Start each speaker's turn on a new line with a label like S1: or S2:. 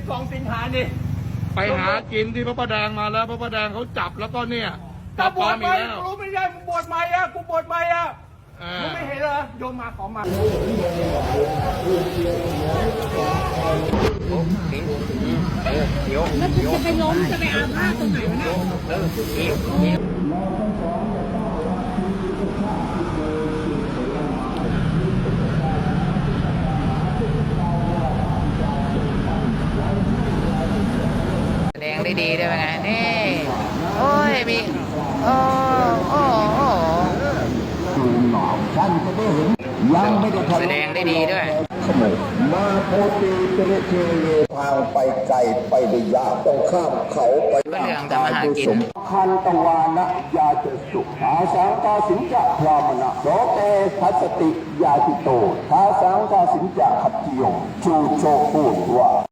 S1: 12 สิงหานี่
S2: ไปหากินที่พระประแดงมาแล้วพระประแดงเขาจับแล้วก็เนี่ยจั
S1: ถ้า
S2: บบ ปล
S1: ว
S2: อ
S1: ช
S2: ม
S1: ให
S2: อี
S1: ม่
S2: กแล้ว
S1: รู้ไม่ได้บวชใหม่อะกูบวชใหม่อะมึงไม่เห็นเหรอโยมมาขอมา
S3: แล้วจะไปล้มจะไปอาพาธตรงไหนวะเนี่ย
S4: แสดงได้ดีได้ไหมไงนี่โอ้ยมีโอ้โอ้โอ้
S5: ยังไม่ได้ทำ
S4: แสดงได้ดีด้วย
S5: ขโมยมาโพตีเจเรเทเยทางไปไกลไปได้ยากต้องข้ามเขาไป
S4: ก็เรื่องทำอาหารกิน
S5: คันตวานะยาเจสุอาสังกาสิงจะพรามณะโสเตทัสสติยาติโตทาสังกาสิงจะขัตติโยชูโชพูดว่า